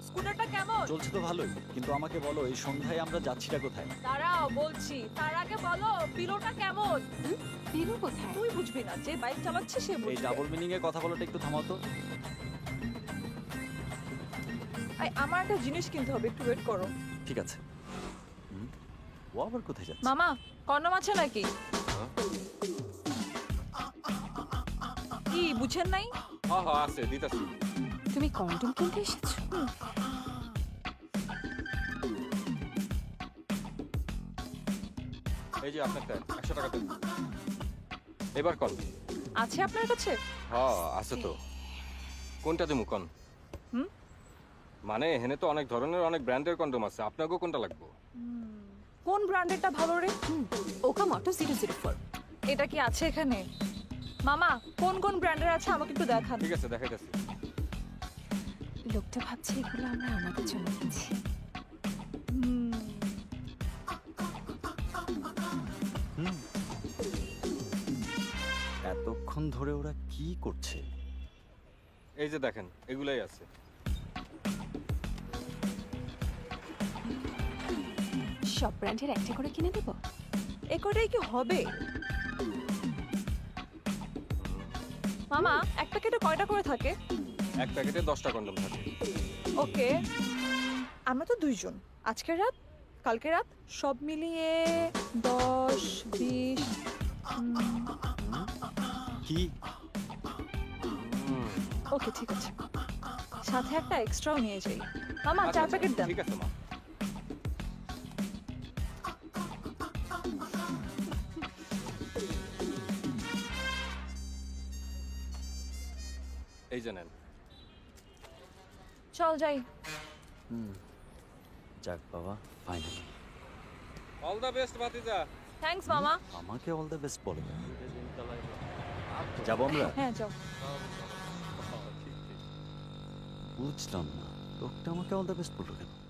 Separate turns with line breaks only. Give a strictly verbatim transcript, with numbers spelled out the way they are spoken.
স্কুটারটা কেমন?
চলছে তো ভালোই, কিন্তু আমাকে বলো এই সন্ধ্যায় আমরা যাচ্ছিটা কোথায়?
দাঁড়াও বলছি, তার আগে বলো পিলোটা কেমন?
পিলু কোথায়?
তুই বুঝবি না, যে বাইক চালাচ্ছে সে
এই
বুঝবে।
ডাবল মিনিং এ কথা বলাটা একটু থামাও তো।
এই, আমার একটা জিনিস কিনতে হবে, একটু ওয়েট করো।
ঠিক আছে। হুম, ও আবার কোথায় যাচ্ছে?
মামা, কন্ডম আছে নাকি? কি বুঝেন নাই?
হ্যাঁ হ্যাঁ আছে, দিতাছি।
তুমি কন্ডম কিনতে এসেছো?
এই যে আপনারটা একশো টাকা দেন। এবার কল।
আছে আপনার কাছে?
হ্যাঁ আছে তো। কোনটা দেবো কন?
হুম?
মানে এখানে তো অনেক ধরনের অনেক ব্র্যান্ডের কন্ডম আছে, আপনাকেও কোনটা লাগবে?
কোন ব্র্যান্ডেরটা ভালো রে?
ওকা মটো জিরো জিরো ফোর।
এটা কি আছে এখানে? মামা, কোন কোন ব্র্যান্ডের আছে আমাকে একটু দেখান।
ঠিক আছে দেখাইতেছি।
লোকটা ভাবছে এগুলো আমরা আমাদের জন্য কিনছি।
হুম,
হুম। এতক্ষণ ধরে ওরা কি করছে?
এই যে দেখেন এগুলাই আছে।
সব ব্র্যান্ডের একটা করে কিনে দেবো।
এ কটাই কি হবে? মামা, এক প্যাকেটে কয়টা করে থাকে?
এক প্যাকেটে দশটা কন্ডম থাকে।
ওকে, আমরা তো দুইজন, আজকের রাত কালকে রাত সব মিলিয়ে দশ বিশ।
কি?
ওকে ঠিক আছে, সাথে একটা এক্সট্রাও নিয়ে যাই। মামা,
আচ্ছা,
চার
আচ্ছা,
প্যাকেট দেন।
ঠিক আছে মা। এই যে নেন।
চল যাই।
হুম, যাক বাবা, ফাইনালি।
অল দ্য বেস্ট ভাতিজা।
থ্যাঙ্কস মামা।
আমাকে অল দ্য বেস্ট বলে। যাবো আমরা?
হ্যাঁ যাও।
বুঝলাম না, লোকটা আমাকে অল দ্য বেস্ট বললো কেন?